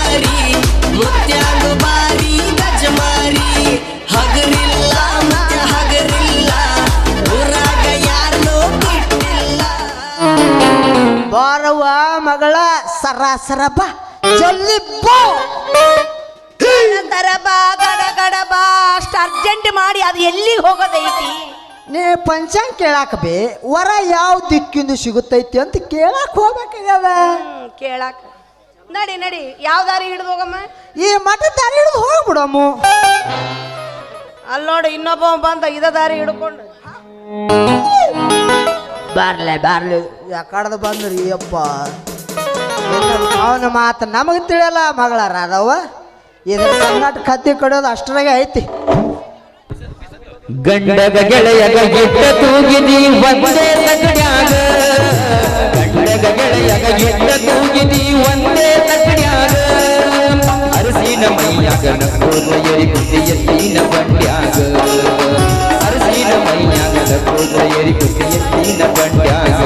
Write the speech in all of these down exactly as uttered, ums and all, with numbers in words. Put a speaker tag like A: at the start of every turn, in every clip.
A: ಮಾರಿ ಮುತ್ಯಾನು ಬಾರಿ ಗಜಮಾರಿ ಹಗರಿಲ್ಲ ಮತ್ತೆ ಹಗರಿಲ್ಲ ಊರಾಗ ಯಾರನ್ನೂ ಬಿಟ್ಟಿಲ್ಲ
B: ಬಾರವ್ವ ಮಗಳ ಸರ ಸರ ಬಾ ಜಲ್ದಿ ಬಾ
C: ತರ ಬಾ ಗಡ ಗಡ ಬಾ ಅಷ್ಟು ಅರ್ಜೆಂಟ್ ಮಾಡಿ ಅದು ಎಲ್ಲಿಗೆ ಹೋಗೋದೈತಿ
B: ನೀ ಪಂಚಾಂಗ ಕೇಳಾಕ ಬೇ ವರ ಯಾವ ದಿಕ್ಕಿಂದ ಸಿಗುತ್ತೈತಿ ಅಂತ ಕೇಳಾಕ ಹೋಗ್ಬೇಕಾಗ್ಯದ
C: ಕೇಳಾಕ ನಡಿ ನಡಿ ಯಾವ ದಾರಿ ಹಿಡಿದು ಹೋಗಮ್ಮ
B: ಈ ಮಠ ದಾರಿ ಹಿಡಿದು ಹೋಗ್ಬಿಡಮ್ಮ
C: ಅಲ್ಲಿ ನೋಡಿ ಇನ್ನೊಬ್ಬ ಬಂದ ಇದ ದಾರಿ ಹಿಡ್ಕೊಂಡು
B: ಬರ್ಲೆ ಬರ್ಲಿ ಯಾಕಡ್ದ ಬಂದ್ರಿ ಅಪ್ಪ ಅವನ ಮಾತು ನಮಗೆ ತಿಳಿಯಲ್ಲ ಮಗಳ ರಾಧವ್ವ ಇದ್ರ ಕರ್ನಾಟಕ ಕತ್ತಿ ಕಡಿಯೋದು ಅಷ್ಟರಾಗೆ ಐತಿ
D: ಗಂಡಗ ಗೆಳೆಯಗ ಗಿಟ್ಟ ತೂಗಿದಿ ಒಂದೇ ತಗಡ್ಯಾಗ ಗಂಡಗ ಗೆಳೆಯಗ ಗಿಟ್ಟ ತೂಗಿದಿ ಒಂದೇ ತಗಡ್ಯಾಗ ಅರಸಿನ ಮೈಯಾಗ ನಕ್ಕೋದ ಎರಿ ಕುದ್ದಿ ಎತ್ತಿನ ಬಂಡ್ಯಾಗ ಅರಸಿನ ಮೈಯಾಗ ನಕ್ಕೋದ ಎರಿ ಕುದ್ದಿ ಎತ್ತಿನ ಬಂಡ್ಯಾಗ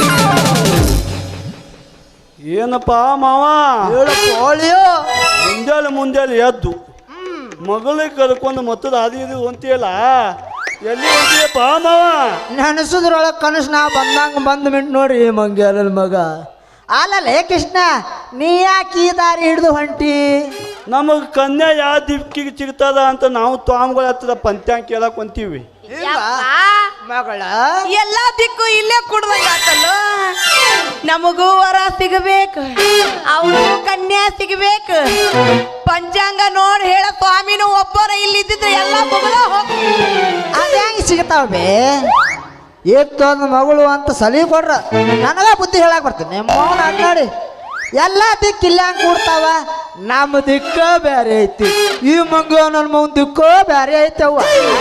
E: ಏನಪ್ಪ ಮಾವ
B: ಹೋಳಿಯೋ
E: ಮುಂಜಾನೆ ಮುಂಜಾನೆ ಎದ್ದು ಮಗಳಿಗೆ ಕರ್ಕೊಂಡು ಮತ್ತದ ಅದು ಇದು ಅಂತೀಯಲ್ಲ ಎಲ್ಲಿ ಹೊಂಟಿಯಪ್ಪ ಮಾವ
B: ನೆನಸುದ್ರೊಳಗೆ ಕನಸು ನಾ ಬಂದಂಗ ಬಂದು ಮಿಂಟ್ ನೋಡ್ರಿ ಮಂಗ್ಯಾಲನ ಮಗ ಅಲ್ಲಲ್ಲೇ ಕೃಷ್ಣ ನೀ ಯಾಕೆ ಈ ದಾರಿ ಹಿಡಿದು ಹೊಂಟಿ
E: ನಮಗೆ ಕನ್ಯಾ ಯಾವ ದಿಕ್ಕಿಗೆ ಸಿಗ್ತದ ಅಂತ ನಾವು ಸ್ವಾಮಿಗಳ ಹತ್ರ ಪಂಚಾಂಗ ಕೇಳಕ್ ಹೊಂತೀವಿ
B: ಮಗಳ
C: ಎಲ್ಲಾ ದಿಕ್ಕು ಇಲ್ಲೇ ಕುಡ್ದಂಗಾತಲ್ಲ ನಮಗೂ ವರ ಸಿಗಬೇಕು ಅವನು ಕನ್ಯಾ ಸಿಗಬೇಕು ಪಂಚಾಂಗ ನೋಡಿ ಹೇಳ ಸ್ವಾಮಿನೂ ಒಬ್ಬರ ಇಲ್ಲಿದ್ದಿದ್ರೆ ಎಲ್ಲ ಮುಗಿದ ಹೋಗಿ
B: ಅದ ಹೆಂಗೆ ಸಿಗ್ತಾವ ಬೇ ಇತ್ತೊಂದು ಮಗಳು ಅಂತ ಸಲಿ ಕೊಡ್ರ ನನಗ ಬುದ್ಧಿ ಹೇಳಕ್ ಬರ್ತೀನಿ ಮೌನ ಅನ್ನಾಡಿ ಎಲ್ಲ ದಿಕ್ಕು ಇಲ್ಲ ಹಂಗೆ ಕೂಡ್ತಾವ ನಮ್ಮ ದಿಕ್ಕ ಬೇರೆ ಐತಿ ಈ ಮಂಗ ನನ್ನ ಮಗನ ದಿಕ್ಕೋ ಬೇರೆ ಐತವ್ವ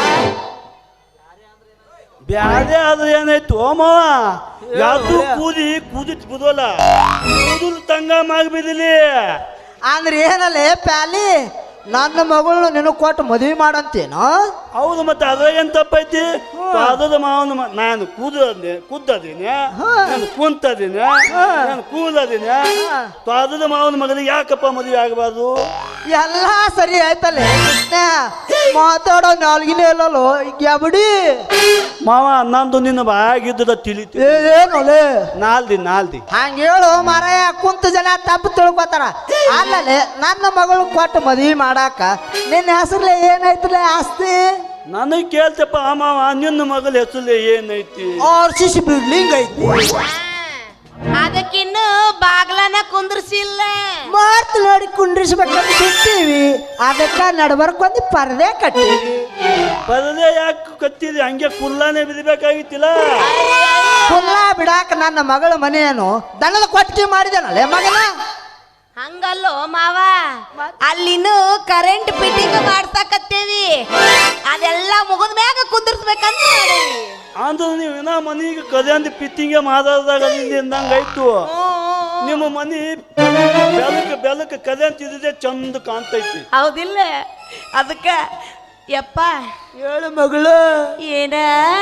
E: ಬ್ಯಾರೆ ಆದ್ರೆ ಏನಾಯ್ತು ಮಾವ ಯಾವ್ದು ಕೂದಿ ಕೂದಿ ಬುದೋಲ್ಲ ಕೂದಲು ತಂಗ ಮಾಗ್ಬಿದಿಲಿ
B: ಅಂದ್ರೆ ಏನಲ್ಲೇ ಪ್ಯಾಲಿ ನನ್ನ ಮಗಳು ನಿನಗೆ ಕೊಟ್ಟು ಮದುವೆ ಮಾಡಂತೇನೋ
E: ಹೌದು ಮತ್ತೆ ಅದ್ರಾಗೇನು ತಪ್ಪೈತಿ ಪಾದದ ಮಾವನ ನಾನು ಕೂದಲೇ ಕುದ್ದದೀನಿ ನಾನು ಕುಂತದೀನಿ ನಾನು ಕೂದಲದೀನಿ ಪಾದದ ಮಾವನ ಮಗನಿಗೆ ಯಾಕಪ್ಪ ಮದುವೆ ಆಗಬಾರ್ದು
B: ಎಲ್ಲ ಸರಿ ಆಯ್ತಲ್ಲೇ ಮಾತಾಡೋ ನಾಲ್ಗಿನೇ ಇಲ್ಲಲ್ಲೋ ಗ್ಯಾಬಡಿ
E: ಮಾವ ನಂದು ನಿನ್ನ ಬಾಗಿದ್ದದ ತಿಳಿತಿ
B: ಏನೋಲೆ
E: ನಾಲ್ದಿ ನಾಲ್ದಿ
B: ಹಂಗ ಹೇಳು ಮಾರಾಯ ಕುಂತ ಜನ ತಪ್ಪು ತಿಳ್ಕೊತಾರ ಅಲ್ಲಲ್ಲೇ ನನ್ನ ಮಗಳು ಕೊಟ್ಟು ಮದುವೆ ಮಾಡಾಕ ನಿನ್ನ ಹೆಸರ್ಲೆ ಏನೈತಲೆ ಆಸ್ತಿ
E: ನನಗೆ ಕೇಳ್ತಪ್ಪ ಮಾವ ನಿನ್ನ ಮಗಳ ಹೆಸರು ಏನೈತಿ
B: ಆರ್ ಸಿ ಸಿ ಬಿಲ್ಡಿಂಗ್ ಐತಿ
C: ಅದಕ್ಕಿನ್ನು ಬಾಗ್ಲನ ಕುಂದ್ರಸಿಲ್ಲ
B: ಮಾರ್ತ್ ನೋಡಿ ಕುಂಡ್ರಿಸ್ಬೇಕಂತ ಬಿಟ್ಟಿವಿ ಅದಕ್ಕ ನಡ್ಬರ್ಕೊಂದು ಪರದೆ ಕಟ್ಟಿವಿ
E: ಪರದೆ ಯಾಕೆ ಕತ್ತಿದಿ ಹಂಗೆ ಕುಲ್ಲಾನೆ ಬಿಡಬೇಕಾಗಿತ್ತಿಲ್ಲ
B: ಕುಲ್ಲ ಬಿಡಾಕ ನನ್ನ ಮಗಳ ಮನೆಯನ್ನು ದನದ ಕೊಟ್ಟಿಗೆ ಮಾಡಿದನಲ್ಲೇ ಮಗನ
C: ಹಂಗಲ್ಲೋ ಮಾವ ಅಲ್ಲಿನೂ ಕರೆಂಟ್ ಫಿಟ್ಟಿಂಗ್ ಮಾಡ್ಸಕತ್ತೇವಿ ಅದೆಲ್ಲ ಮುಗಿದ ಮ್ಯಾಗ ಕುಂದರ್ಸ್ಬೇಕಂತ ಮಾಡೇವಿ
E: ಅಂದ್ರೆ ನೀವು ಇನ್ನ ಮನೆಗೆ ಕದಂದಿ ಪಿತ್ತಿಂಗೆ ಮಾತಾಡಿದಾಗ ಅಂದಂಗಾಯ್ತು ನಿಮ್ಮ ಮನೆ ಬೆಳಕ ಬೆಳಕ ಕದಂತಿದ್ದೆ ಚಂದ ಕಾಣ್ತೈತಿ
C: ಹೌದಿಲ್ಲ ಅದಕ್ಕ ಯಪ್ಪ
B: ಹೇಳು ಮಗಳು
C: ಏನ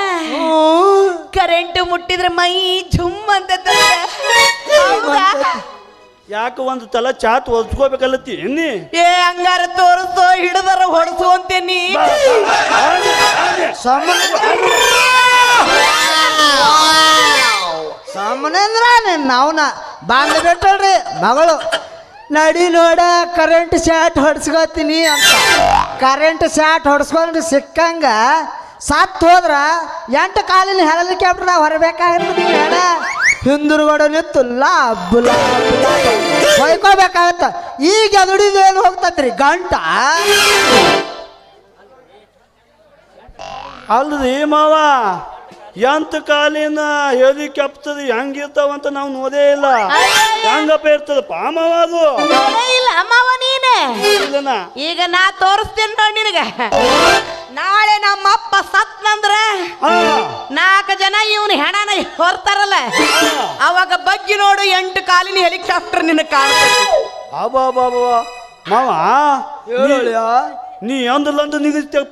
C: ಕರೆಂಟ್ ಮುಟ್ಟಿದ್ರೆ ಮೈ ಝುಮ್ ಅಂತ
E: ಯಾಕೆ ಒಂದು ತಲ ಚಾತ್ ಒದ್ಕೋಬೇಕಲ್ಲತ್ತಿ ಎನ್ನಿ
C: ಏ ಹಂಗಾರ ತೋರಿಸೋ ಹಿಡಿದಾರ ಹೊಡ್ಸು ಅಂತೇನಿ
B: ಸಾಮನೇಂದ್ರ ನಾವ್ನ ಬಾಂಧ ಬಿಟ್ಟಳ್ರಿ ಮಗಳು ನಡಿ ನೋಡ ಕರೆಂಟ್ ಶಾಟ್ ಹೊಡ್ಸ್ಕೊತೀನಿ ಅಂತ ಕರೆಂಟ್ ಶಾಟ್ ಹೊಡ್ಸ್ಕೊಂಡ್ರೆ ಸಿಕ್ಕಂಗ ಸತ್ತು ಹೋದ್ರ ಎಂಟು ಕಾಲಿನ ಹೆಲಿಕಾಪ್ಟರ್ ನಾವು ಹೊರಬೇಕಾಗಿರ್ತದೆ ಹೇಳ ಹಿಂದುರುಗಡೆ ನಿಂತು ಲಾಭ ಹೊಯ್ಕೋಬೇಕಾಗತ್ತ ಈಗ ದುಡಿದೇನು ಹೋಗ್ತತ್ರಿ ಗಂಟ
E: ಅಲ್ರಿ ಮಾವ ಎಂತ ಕಾಲಿನ ಹೆಲಿಕಾಪ್ಟರ್ ಹೆಂಗಿರ್ತಾವಂತ ನಾವು ನೋಡೇ ಇಲ್ಲ ಹೆಂಗಪ್ಪ ಇರ್ತದಪ್ಪ ಮಾವ ಅದು
C: ಇಲ್ಲ ಮಾವ ನೀನೆ
E: ಇಲ್ಲನ
C: ಈಗ ನಾ ತೋರಿಸ್ತೇನೆ ನೋಡಿ ನಿನಗ ನಾಳೆ ನಮ್ಮ ಅಪ್ಪ ಸತ್ನಂದ್ರ ನಾಲ್ಕು ಜನ ಇವನು ಹೆಣನ ಹೊರ್ತಾರಲ್ಲ ಅವಾಗ ಬಗ್ಗೆ ನೋಡು ಎಂಟು ಕಾಲಿನ ಹೆಲಿಕಾಪ್ಟರ್ ನಿನ್ನ ಕಾಣ್ತದೆ
E: ಅಬಾ ಬಾಬಾ ಮಾವ ನೀ ಅಂದ್ರಲ್ಲಂದು ನಿಗದಿತ್ತಪ್ಪ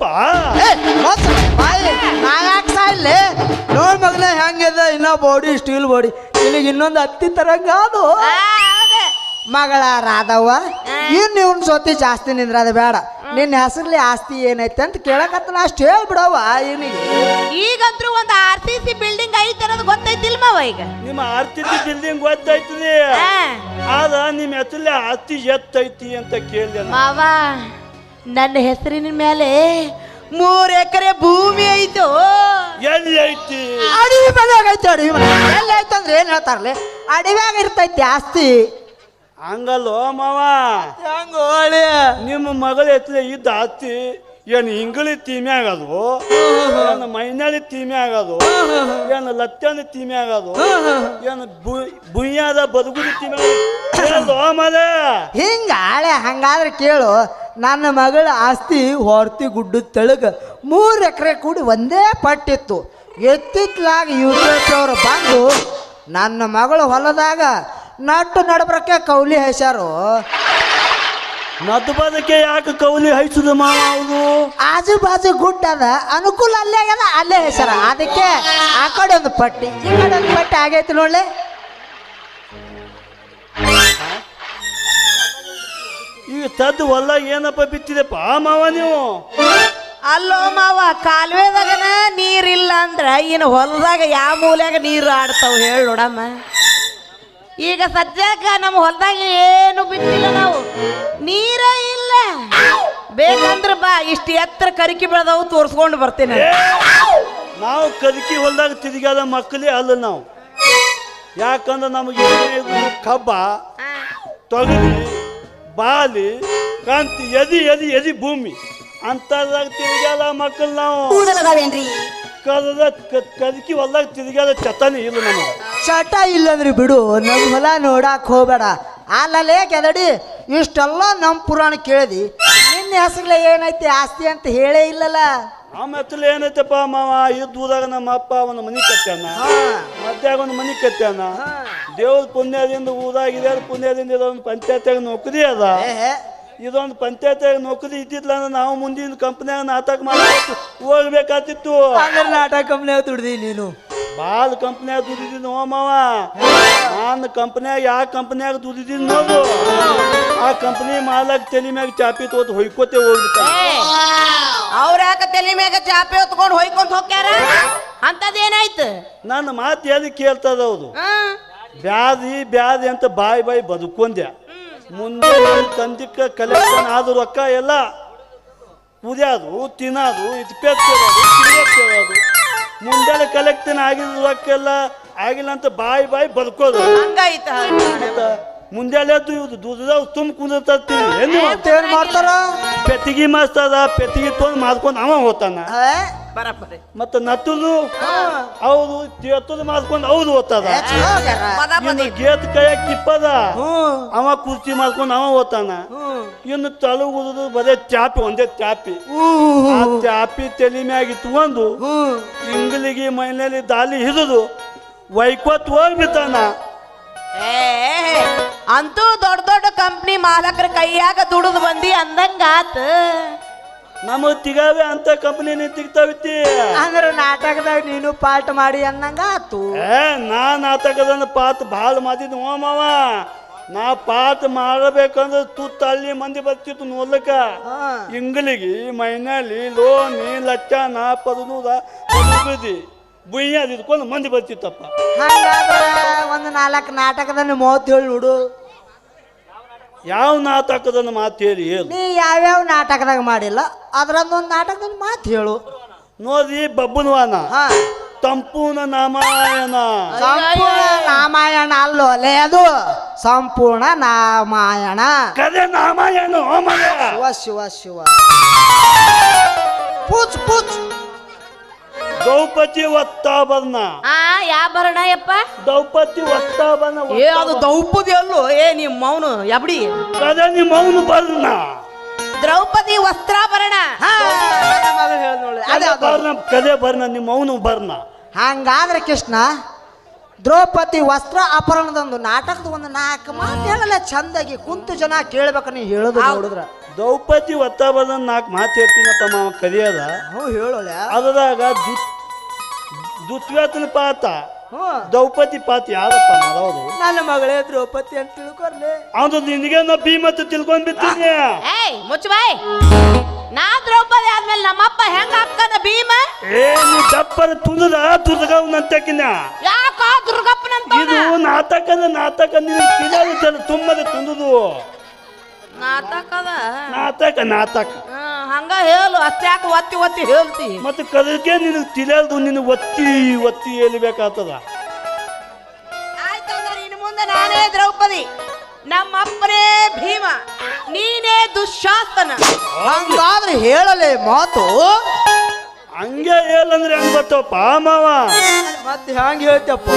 B: ನಾ ಯಾಕೆ ಸಾಯಿಲ್ಲ ನೋಡ್ ಮಗನ ಹೆಂಗಿದೆ ಇನ್ನ ಬಾಡಿ ಸ್ಟೀಲ್ ಬಾಡಿ ನಿನಗೆ ಇನ್ನೊಂದು ಹತ್ತಿ ತರಂಗ ಅದು ಮಗಳ ರಾಧವ್ವ ಇನ್ನು ಇವನ್ ಸೋತಿ ಜಾಸ್ತಿ ನಿಂದ್ರ ಅದು ಬೇಡ ನಿನ್ನ ಹೆಸರ್ಲಿ ಆಸ್ತಿ ಏನೈತೆ ಅಂತ ಕೇಳಕತ್ತ ನಾ ಅಷ್ಟು ಹೇಳ್ಬಿಡವ ಇವನಿಗೆ.
C: ಈಗಂತ್ರು ಒಂದು ಆರ್ ಸಿ ಸಿ ಬಿಲ್ಡಿಂಗ್ ಐತೆ ಅನ್ನೋದು ಗೊತ್ತೈತಿಲ್ ಮಾವ ಈಗ.
E: ನಿಮ್ಮ ಆರ್ತಿ ಬಿಲ್ಡಿಂಗ್ ಗೊತ್ತಾಯ್ತದೆ,
C: ಆ,
E: ಆದ ನಿಮ್ಮ ಹೆಸರಲ್ಲಿ ಆಸ್ತಿ ಎತ್ತೈತಿ ಅಂತ ಕೇಳಿದೆ ನಾನು.
C: ಮಾವ ನನ್ನ ಹೆಸರಿನ ಮೇಲೆ ಮೂರ್ ಎಕರೆ ಭೂಮಿ ಐತು.
E: ಎಲ್ಲಿ ಐತಿ?
B: ಅಡವಿ ಮನ್ಯಾಗ ಐತಿ. ಅಡವಿ ಮನೆ ಎಲ್ಲಿ ಐತಂದ್ರೆ ಏನ್ ಹೇಳ್ತಾರಲಿ, ಅಡವ್ಯಾಗ ಇರ್ತೈತಿ ಆಸ್ತಿ.
E: ಹಂಗಲ್ಲೋ ಮಾವ,
B: ಹೆಂಗ ಹೊಳಿ
E: ನಿಮ್ಮ ಮಗಳ ಹೆಸರು ಇದ್ದ ಆಸ್ತಿ ಏನು ಇಂಗಳಿ ತೀಮೆ ಆಗೋದು, ಏನು ಮೈನಾಳಿ ತೀಮೆ ಆಗೋದು, ಏನು ಲತ್ತನ ತೀಮೆ ಆಗೋದು, ಏನು ಬುಯ್ಯಾದ ಬದುಗುದಿ ತೀಮೆ ಆಗೋದು ಮದ
B: ಹಿಂಗ ಹಳೆ. ಹಂಗಾದ್ರೆ ಕೇಳು, ನನ್ನ ಮಗಳ ಆಸ್ತಿ ಹೊರ್ತಿ ಗುಡ್ಡದ ತೆಳಗ ಮೂರು ಎಕರೆ ಕೂಡಿ ಒಂದೇ ಪಟ್ಟಿತ್ತು. ಎತ್ತಿತ್ಲಾಗ ಯು ಪಿ ಎಸ್ ಅವರು ಬಂದು ನನ್ನ ಮಗಳ ಹೊಲದಾಗ ನಟ್ಟು ನಡಬ್ರಕ್ಕೆ ಕೌಲಿ ಹೆಸಾರು.
E: ನದ್ದು ಬದಕ್ಕೆ ಯಾಕೆ ಕೌಲಿ ಹೈಸುದು ಮಾವ ಅವರು?
B: ಆಜು ಬಾಜು ಗುಡ್ಡ ಅದ, ಅನುಕೂಲ ಅಲ್ಲೇ ಆಗ್ಯದ, ಅಲ್ಲೇ ಹೆಸರ. ಅದಕ್ಕೆ ಆ ಕಡೆ ಒಂದು ಪಟ್ಟಿ ಈ ಕಡೆ ಒಂದು ಪಟ್ಟಿ ಆಗೈತಿ ನೋಡ್ಲಿ.
E: ಈಗ ತದ್ದು ಹೊಲ ಏನಪ್ಪ ಬಿತ್ತಿದೆಪ್ಪ ಮಾವ ನೀವು?
C: ಅಲ್ಲೋ ಮಾವ, ಕಾಲುವೆದಾಗನ ನೀರಿಲ್ಲ ಅಂದ್ರ ಇನ್ನು ಹೊಲದಾಗ ಯಾವ ಮೂಲ್ಯಾಗ ನೀರು ಆಡ್ತಾವ ಹೇಳಿ ನೋಡಮ್ಮ. ಈಗ ಸದ್ಯಕ್ಕ ನಮ್ಮ ಹೊಲದಾಗ ಏನು ಬಿತ್ತಿಲ್ಲ ನಾವು, ನೀರ ಇಲ್ಲ. ಬೇಕಂದ್ರ ಬಾ, ಇಷ್ಟು ಎತ್ತರ ಕರಿಕಿ ಬೆಳೆದವು ತೋರಿಸ್ಕೊಂಡು ಬರ್ತೇನೆ.
E: ನಾವು ಕದಕಿ ಹೊಲದಾಗ ತಿರುಗಾದ ಮಕ್ಕಳೇ ಅಲ್ಲ ನಾವು. ಯಾಕಂದ್ರೆ ನಮಗೆ ಕಬ್ಬ, ತೊಗರಿ, ಬಾಲಿ, ಕಾಂತಿ, ಎದಿ ಎದಿ ಎದಿ ಭೂಮಿ ಅಂತದಾಗ ತಿರುಗಾದ ಮಕ್ಕಳು ನಾವು. ಕದ ಕದಕಿ ಹೊಲದಾಗ ತಿರುಗಾದ ಚತಾನೆ ಇಲ್ಲ ನಮಗೆ.
B: ಚಟ ಇಲ್ಲಂದ್ರಿ ಬಿಡು, ನಮ್ಮ ಹೊಲ ನೋಡಾಕ್ ಹೋಗ್ಬೇಡ. ಅಲ್ಲಲ್ಲೇ ಕೆದಡಿ ಇಷ್ಟೆಲ್ಲ ನಮ್ಮ ಪುರಾಣ ಕೇಳಿದಿ, ನಿನ್ನ ಹೆಸರಲ್ಲೇ ಏನೈತಿ ಆಸ್ತಿ ಅಂತ ಹೇಳೇ ಇಲ್ಲಲ್ಲ.
E: ನಮ್ಮ ಹೆಸರು ಏನೈತಪ್ಪ ಮಾವ? ಇದ್ದು ಊರಾಗ ನಮ್ಮ ಅಪ್ಪ ಒಂದು ಮನಿ ಕಟ್ಟ್ಯಾನ, ಮಧ್ಯಾಗ ಒಂದು ಮನಿ ಕಟ್ಟ್ಯಾನ. ದೇವ್ರ ಪುಣ್ಯದಿಂದ ಊರಾಗಿದೆ, ಪುಣ್ಯದಿಂದ ಇದೊಂದು ಪಂಚಾಯತ್ಯಾಗ ನೌಕರಿ ಅದ. ಇದೊಂದು ಪಂಚಾಯತ್ಯಾಗ ನೌಕರಿ ಇದ್ದಿದ್ಲ ಅಂದ್ರೆ ನಾವು ಮುಂದಿನ ಕಂಪ್ನಿಯಾಗ ನಾಟಕ ಮಾಡ್ಬೇಕು ಹೋಗ್ಬೇಕಾತಿತ್ತು.
B: ನಾಟಕ ಕಂಪ್ನಿಯಾಗ ದುಡ್ದಿ ನೀನು?
E: ಭಾಳ ಕಂಪ್ನಿಯಾಗ ದುಡಿದಿದ್ದು ಓ ಮಾವ. ನಾನು ಕಂಪ್ನಿಯಾಗ ಯಾವ ಕಂಪ್ನಿಯಾಗ ದುಡಿದಿದ್ದು ನೋಡು, ಆ ಕಂಪ್ನಿ ಮಾಲಕ್ ತಲೆ ಮ್ಯಾಗ ಚಾಪಿ ತೋತ್ ಹೊಯ್ಕೋತೆ ಹೋಗ್ಬಿಟ್ಟ.
C: ಅವ್ರ ಯಾಕ ತಲೆ ಮ್ಯಾಗ ಚಾಪೆ ಹೊತ್ಕೊಂಡು ಹೊಯ್ಕೊಂತ ಹೋಗ್ಯಾರ? ಅಂತದೇನಾಯ್ತು?
E: ನನ್ನ ಮಾತು ಎಲ್ಲಿ ಕೇಳ್ತದ ಹೌದು. ಬ್ಯಾದಿ ಬ್ಯಾದಿ ಅಂತ ಬಾಯಿ ಬಾಯಿ ಬದುಕೊಂಡೆ. ಮುಂದೆ ತಂದಿಕ್ಕ ಕಲೆಕ್ಷನ್ ಆದ ರೊಕ್ಕ ಎಲ್ಲ ಕುದಿಯೋದು, ತಿನ್ನೋದು, ಇಟ್ಪೆತ್ತೋದು, ತಿರುಗತ್ತೋದು. ಮುಂದೆ ಕಲೆಕ್ಷನ್ ಆಗಿದ ರೊಕ್ಕ ಎಲ್ಲ ಆಗಿಲ್ಲ ಅಂತ ಬಾಯಿ ಬಾಯಿ ಬದುಕೋದು.
C: ಹಂಗಾಯ್ತ?
E: ಮುಂಜಾನೆ ಎದ್ದು ಇವ್ದು ದುಡ್ದಾವ್ ತುಂಬ ಕುಂದಿರ್ತೀವಿ ಏನು
B: ಏನ್ ಮಾಡ್ತಾರ?
E: ಪೆತ್ತಿಗೆ ಮಾಸ್ತದ ಪೆತ್ತಿಗೆ ತೊಗೊಂಡು ಮಾಡ್ಕೊಂಡು ಅವ ಹೋಗ್ತಾನ.
C: ಬರಬ್ಬರಿ.
E: ಮತ್ತ ನತ್ತದು ಹೌದು, ಎತ್ತದು ಮಾಡ್ಕೊಂಡು ಹೌದು ಹೋಗ್ತದ. ಇನ್ನು ಗೇತ್ ಕೈಯಾಗ ಕಿಪ್ಪದ ಅವ ಕುರ್ಚಿ ಮಾಡ್ಕೊಂಡು ಅವ ಹೋಗ್ತಾನ. ಇನ್ನು ತಲುಗುದು ಬರೇ ಚಾಪಿ, ಒಂದೇ ಚಾಪಿ. ಆ ಚಾಪಿ ತಲೆ ಮ್ಯಾಗ ಇಟ್ಕೊಂಡು ಇಂಗ್ಲಿಗೆ ಮೈನಲ್ಲಿ ದಾಲಿ ಹಿಡಿದು ವೈಕೋತ್ ಹೋಗ್ಬಿಡ್ತಾನ.
C: ಏ ಅಂತೂ ದೊಡ್ಡ ದೊಡ್ಡ ಕಂಪ್ನಿ ಮಾಲಕರ ಕೈಯಾಗ ದುಡಿದು ಬಂದಿ ಅಂದಂಗಾತ.
E: ನಮ್ಮ ತಿಗಾವೆ ಅಂತ ಕಂಪನಿ ತಿಗ್ತಾವಿತ್ತಿ
B: ಅಂದ್ರೆ ನಾಟಕದಾಗ ನೀನು ಪಾಠ ಮಾಡಿ ಅನ್ನಂಗ ಆತು.
E: ಏ ನಾ ನಾಟಕದ ಪಾತ್ ಭಾಳ ಮಾಡಿದ್ ಓ ಮಾವ. ನಾ ಪಾತ್ ಮಾಡಬೇಕಂದ್ರೆ ತುತ್ತ ಹಳ್ಳಿ ಮಂದಿ ಬರ್ತಿತ್ತು ನೋಡ್ಲಕ್ಕ. ಇಂಗ್ಲಿಗಿ ಮೈನಾಲಿ ಲೋನಿ ಲಚ್ಚಾನ ಪದನೂದ ಬದಿ ಬುಯ್ಯಾದ ಇದ್ಕೊಂಡು ಮಂದಿ ಬರ್ತಿತ್ತಪ್ಪ.
B: ಹಂಗಾದ್ರೆ ಒಂದು ನಾಲ್ಕು ನಾಟಕದಲ್ಲಿ ಮೂವತ್ತೇಳು ನೋಡು.
E: ಯಾವ ನಾಟಕದನ್ನು ಮಾತು ಹೇಳಿ ಹೇಳು.
B: ನೀ ಯಾವ್ಯಾವ ನಾಟಕದಾಗ ಮಾಡಿಲ್ಲ ಅದ್ರದ್ದೊಂದು ನಾಟಕದ ಮಾತು ಹೇಳು.
E: ನೋಡಿ ಬಬ್ಬುನವಾನ ಸಂಪೂರ್ಣ ನಾಮಾಯಣ.
B: ಸಂಪೂರ್ಣ ರಾಮಾಯಣ ಅಲ್ಲೋ ಅಲ್ಲೇ, ಅದು ಸಂಪೂರ್ಣ ರಾಮಾಯಣ.
E: ಕದೆ ನಾಮಾಯಣ.
B: ಶಿವ ಶಿವ ಶಿವ ಪೂಚ್ ಪೂಚ್.
E: ದ್ರೌಪದಿ ಒತ್ತಾಭರಣ.
C: ಆ ಯಾ ಬರಣ ಯಪ್ಪ?
E: ದ್ರೌಪದಿ ಒತ್ತಾಭರಣ.
C: ಏ ಅದು ದ್ರೌಪದಿ ಅಲ್ಲೋ, ಏ ನಿಮ್ಮ ಮೌನು ಎಬ್ಡಿ.
E: ಕದೆ ನಿಮ್ಮ ಮೌನ ಬರ್ಣ.
C: ದ್ರೌಪದಿ ವಸ್ತ್ರಾಭರಣ.
E: ಕದೆ ಬರ್ಣ, ನಿಮ್ಮ ಮೌನ ಬರ್ಣ.
B: ಹಂಗಾದ್ರೆ ಕೃಷ್ಣ, ದ್ರೌಪದಿ ವಸ್ತ್ರ ಅಪಹರಣದೊಂದು ನಾಟಕದ ಒಂದು ನಾಲ್ಕು ಮಾತು ಹೇಳಲ್ಲ ಚಂದಾಗಿ ಕುಂತು ಜನ ಕೇಳ್ಬೇಕು. ನೀ ಹೇಳುದು ನೋಡಿದ್ರ
E: ದ್ರೌಪದಿ ಒತ್ತಾಭರಣ ನಾಲ್ಕು ಮಾತು ಹೇಳ್ತೀನಪ್ಪ ಮಾವ ಕಲಿಯದ.
B: ಹ್ಞೂ ಹೇಳೋಲ್ಲ.
E: ಅದ್ರಾಗ ದುತ್ವ್ಯಾತನ ಪಾತ
B: ಹ್ಞೂ
E: ದ್ರೌಪದಿ ಪಾತ್ ಯಾರಪ್ಪ ಮಾಡೋದು?
B: ನನ್ನ ಮಗಳೇ ದ್ರೌಪದಿ ಅಂತ ತಿಳ್ಕೊರ್ಲಿ.
E: ಅದು ನಿನಗೆ ನಾ ಭೀಮತ್ತು ತಿಳ್ಕೊಂಡ್ ಬಿಡ್ತೀನಿ.
C: ಏಯ್ ಮುಚ್ಚು ಬಾಯ್. ನಾ ದ್ರೌಪದಿ ಆದ್ಮೇಲೆ ನಮ್ಮಪ್ಪ ಹೆಂಗ ಹಾಕದ ಭೀಮ?
E: ಏ ನೀ ದಪ್ಪರ ತುಳಿದ ದುರ್ಗವನಂತಕಿನ
C: ಯಾಕ ದುರ್ಗಪ್ಪನಂತ?
E: ಇದು ನಾಟಕದ ನಾಟಕ ನಿನಗೆ ತಿಳಿಯೋದು ತುಂಬದ ತುಂದುದು
C: ನಾಟಕದ
E: ನಾಟಕ ನಾಟಕ
C: ಹ್ಮ್, ಹಂಗ ಹೇಳು ಅಷ್ಟೇ ಯಾಕೆ ಒತ್ತಿ ಒತ್ತಿ ಹೇಳ್ತಿ?
E: ಮತ್ತೆ ಕದಕ್ಕೆ ನಿನಗೆ ತಿಳಿಯೋದು ನಿನಗೆ ಒತ್ತಿ ಒತ್ತಿ ಹೇಳ್ಬೇಕಾಗ್ತದ.
C: ಆಯ್ತಂದ್ರೆ ಇನ್ನು ಮುಂದೆ ನಾನೇ ದ್ರೌಪದಿ, ನಮ್ಮಪ್ಪನೇ ಭೀಮ, ನೀನೇ ದುಶ್ಯಾಸನ.
B: ಹಂಗಾದ್ರೆ ಹೇಳಲೆ ಮಾತು.
E: ಹಂಗೆ ಹೇಳಂದ್ರೆ ಹೆಂಗ್ ಬರ್ತಾವಪ್ಪ ಮಾವ?
B: ಮತ್ತೆ ಹ್ಯಾಂಗ ಹೇಳ್ತಪ್ಪ?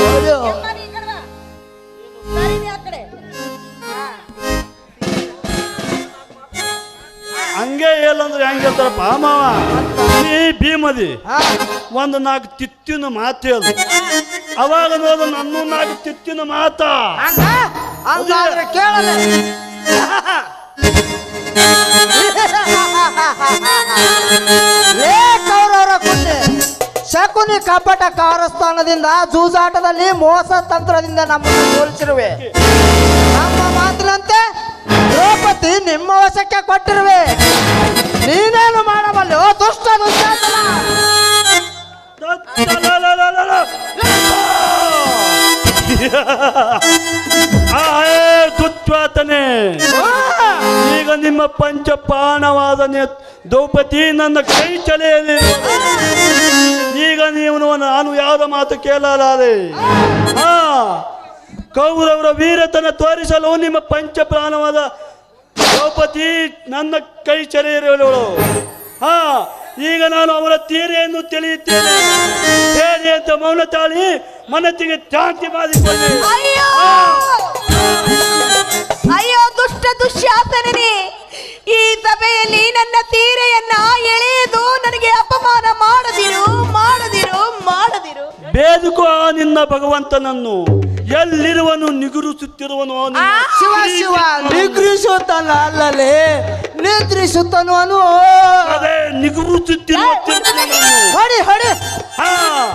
E: ಹಂಗೆ ಹೇಳಂದ್ರೆ ಹೆಂಗ್ ಹೇಳ್ತಾರಪ್ಪ ಮಾವ? ನೀ ಭೀಮದಿ ಒಂದು ನಾಲ್ಕು ತಿತ್ತಿನ ಮಾತು ಹೇಳು, ಅವಾಗ ನೋಡು ನನ್ನ ನಾಲ್ಕು ತಿತ್ತಿನ ಮಾತ.
B: ಹಂಗಾದ್ರೆ ಕೇಳಲೆ. ಲೇ ಕೌರವರ ಕುಂಡೆ, ಶಕುನಿ ಕಪಟ ಕಾರಸ್ಥಾನದಿಂದ ಜೂಜಾಟದಲ್ಲಿ ಮೋಸ ತಂತ್ರದಿಂದ ನಮ್ಮನ್ನು ಸೋಲಿಸಿರುವೆ. ನಮ್ಮ ಮಾತಿನಂತೆ ದ್ರೌಪದಿ ನಿಮ್ಮ ವಶಕ್ಕೆ ಕೊಟ್ಟಿರುವೆ. ನೀನೇನು ಮಾಡಬಲ್ಲೆ ಓ ದುಷ್ಟ ದುಶ್ಯಾಸನ?
E: ದುಚ್ವಾತನೆ, ಈಗ ನಿಮ್ಮ ಪಂಚಪಾಣವಾದ ದ್ರೌಪದಿ ನನ್ನ ಕೈ ಚಲೆಯಲ್ಲಿ. ಈಗ ನೀವು ನಾನು ಯಾವ್ದ ಮಾತು ಕೇಳಲಾರೆ. ಹಾ, ಕೌರವರ ವೀರತನ ತೋರಿಸಲು ನಿಮ್ಮ ಪಂಚಪ್ರಾಣವಾದ ದ್ರೌಪದಿ ನನ್ನ ಕೈ ಚಲೆಯಿರುವಳು. ಹಾ, ಈಗ ನಾನು ಅವರ ತೀರೆಯನ್ನು ತಿಳಿಯುತ್ತೇನೆ. ಹೇಳಿ ಅಂತ ಮೌನ ತಾಳಿ ಮನಸ್ಸಿಗೆ ಶಾಂತಿ ಮಾಡಿಕೊಳ್ಳಿ.
C: ಅಯ್ಯೋ ಅಯ್ಯೋ ದುಷ್ಟ ದುಶ್ಯಾಸನೇ, ಈ ಸಭೆಯಲ್ಲಿ ನನ್ನ ತೀರೆಯನ್ನ ಎಳೆದು ನನಗೆ ಅಪಮಾನ ಮಾಡದಿರು ಮಾಡದಿರು ಮಾಡದಿರು.
E: ಬೇದುಕೋ ನಿನ್ನ ಭಗವಂತನನ್ನು, ಎಲ್ಲಿರುವನು ನಿಗುರಿಸುತ್ತಿರುವನು.
B: ಶಿವ ಶಿವ ನಿಗ್ರಿಸುತ್ತಾನ ಅಲ್ಲಲೇ, ನಿದ್ರಿಸುತ್ತನು ಅನು.
E: ಅದೇ ನಿಗುರಿಸುತ್ತಿರುವ
B: ಹೊಡಿ ಹೊಡಿ.
E: ಹಾ,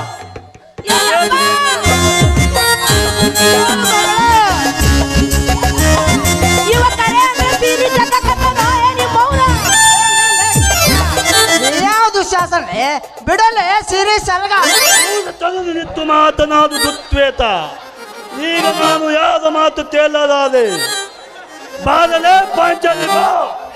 C: ಇವ ಕರೆ ಅಂದ್ರೆ ತೀರಿ ಜಗಕ್ಕತ್ತದ, ಏನಿ ಮೌನ?
B: ಯಾವುದು ಶಾಸನೆ ಬಿಡಲೆ ಸಿರಿ ಸಲಗ.
E: ತನದು ನಿತ್ತು ಮಾತನಾದು ದುತ್ವೇತ. ಈಗ ನಾನು ಯಾವ ಮಾತು ತೇಲಲಾದೆ. ಬಾದಲೆ ಪಾಂಚಾಲಿ ಬಾ.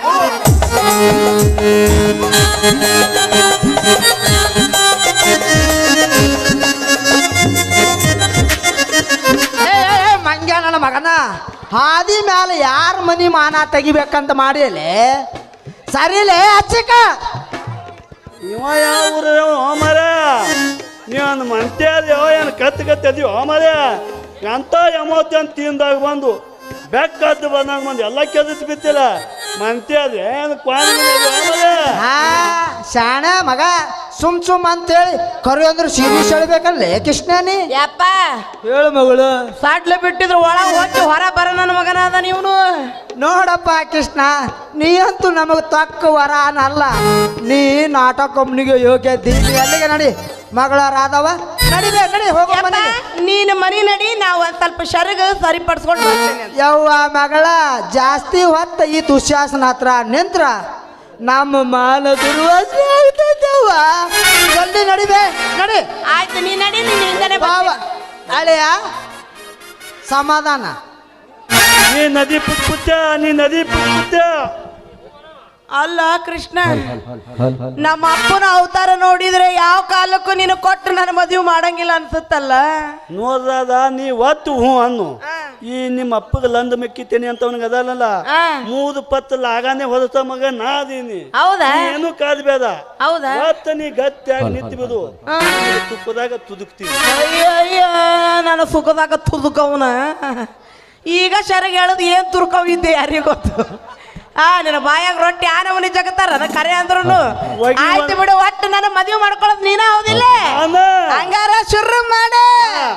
B: ಮಂಗ್ಯ ನನ್ನ ಮಗನ, ಹಾದಿ ಮ್ಯಾಲ ಯಾರ ಮನಿ ಮಾನ ತೆಗಿಬೇಕಂತ ಮಾಡಿಯಲೆ ಸರಿಲೇ ಹಚ್ಚಿಕ.
E: ಇವ ಯಾವ ಊರು ಮರ? ನೀನು ಮಂತ್ಯಾದ್ಯೋ ಏನು ಕತ್ತು ಕತ್ತದೀವೋ ಮರ? ಎಂತ ಎಮೋತಿ ಅಂತ ತಿಂದಾಗ ಬಂದು ಬೆಕ್ಕದ್ದು ಬಂದಾಗ ಬಂದು ಎಲ್ಲ ಕೆದತ್ ಬಿತ್ತಿಲ್ಲ. ಮಂತ್ಯಾದ ಏನು ಕ್ವಾನಿ
B: ಹಾ ಶಾಣ ಮಗ, ಸುಮ್ ಸುಮ್ ಅಂತೇಳಿ ಕರು ಅಂದ್ರೆ ಸಿರಿ ಸೆಳ್ಬೇಕಲ್ಲೇ ಕೃಷ್ಣನಿ.
C: ಯಪ್ಪ
B: ಹೇಳು ಮಗಳು.
C: ಸಾಟ್ಲೆ ಬಿಟ್ಟಿದ್ರು ಒಳಗೆ ಹೋಗಿ ಹೊರ ಬರ ನನ್ನ ಮಗನಾದ ನೀವನು.
B: ನೋಡಪ್ಪ ಕೃಷ್ಣ, ನೀ ಅಂತೂ ನಮಗೆ ತಕ್ಕ ವರ ಅನ್ನಲ್ಲ. ನೀ ನಾಟಕ ಕಂಪ್ನಿಗೆ ಯೋಗ್ಯ ದೀನಿ. ಅಲ್ಲಿಗೆ ನಡಿ ಮಗಳ ರಾಧವ, ನಡಿಬೇ ನಡಿ ಹೋಗೋ ಮನೆ.
C: ನೀನು ಮನಿ ನಡಿ, ನಾವು ಒಂದ್ ಸ್ವಲ್ಪ ಶರಗ ಸರಿಪಡಿಸ್ಕೊಂಡು ಬರ್ತೇನೆ.
B: ಯವ್ವ ಮಗಳ, ಜಾಸ್ತಿ ಹೊತ್ತ ಈ ದುಶ್ಯಾಸನ ಹತ್ರ ನಿಂತ್ರ ನಮ್ಮ ಮಾನ ದುರ್ವಾಸನೆ ಆಗ್ತೈತವ್ವ. ಜಲ್ದಿ ನಡಿಬೇ ನಡಿ.
C: ಆಯ್ತು ನೀ ನಡಿ, ನೀನ್ ಹಿಂದನೆ
B: ಬಾವ ಅಳೆಯ ಸಮಾಧಾನ.
E: ನೀ ನದಿ ಪುಟ್ ಪುಟ್ಟ, ನೀ ನದಿ ಪುಟ್ ಪುಟ್ಟ.
C: ಅಲ್ಲ ಕೃಷ್ಣ, ನಮ್ಮ ಅಪ್ಪನ ಅವತಾರ ನೋಡಿದ್ರೆ ಯಾವ ಕಾಲಕ್ಕೂ ನೀನು ಕೊಟ್ಟು ನನ್ನ ಮದುವೆ ಮಾಡಂಗಿಲ್ಲ ಅನ್ಸುತ್ತಲ್ಲ.
E: ನೋಡ್ರದ ನೀ ಒತ್ತು ಹ್ಞೂ ಅನ್ನು. ಈ ನಿಮ್ಮ ಅಪ್ಪಗೆ ಲಂದ ಮೆಕ್ಕಿತೇನೆ ಅಂತ ಅವನಿಗೆ ಅದಲ್ಲ. ಮೂದು ಪತ್ತಲ್ಲ ಆಗಾನೆ ಹೊರತ ಮಗ ನಾ ಅದೀನಿ.
C: ಹೌದಾ?
E: ಏನು ಕಾದ್ಬೇಡ.
C: ಹೌದಾ?
E: ಒತ್ತ ನೀ ಗಟ್ಟಿಯಾಗಿ ನಿಂತು ಬಿಡು, ತುಪ್ಪದಾಗ ತುದುಕ್ತೀವಿ.
C: ಅಯ್ಯೋ ಅಯ್ಯೋ, ನನ್ನ ಸುಖದಾಗ ತುದುಕವನ. ಈಗ ಶರಗ ಹೇಳೋದು ಏನ್ ತುರ್ಕವಿದ್ದೆ ಯಾರಿಗೂ ಗೊತ್ತು. ಆ ನಿನ್ನ ಬಾಯಾಗ ರೊಟ್ಟಿ ಆ ನಮೂನಿ ಜಗತ್ತಾರ ಕರೆ ಅಂದ್ರು. ಆಯ್ತು ಬಿಡು, ಒಟ್ಟು ನನ್ನ ಮದುವೆ ಮಾಡ್ಕೊಳ್ಳೋದು ನೀನ ಹೌದಿಲ್ಲ? ಹಂಗಾರ ಶುರು ಮಾಡ.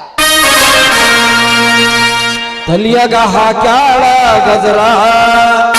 D: ತಲಿಯಾಗ ಹಾಕ್ಯಾಳ ಗಜರ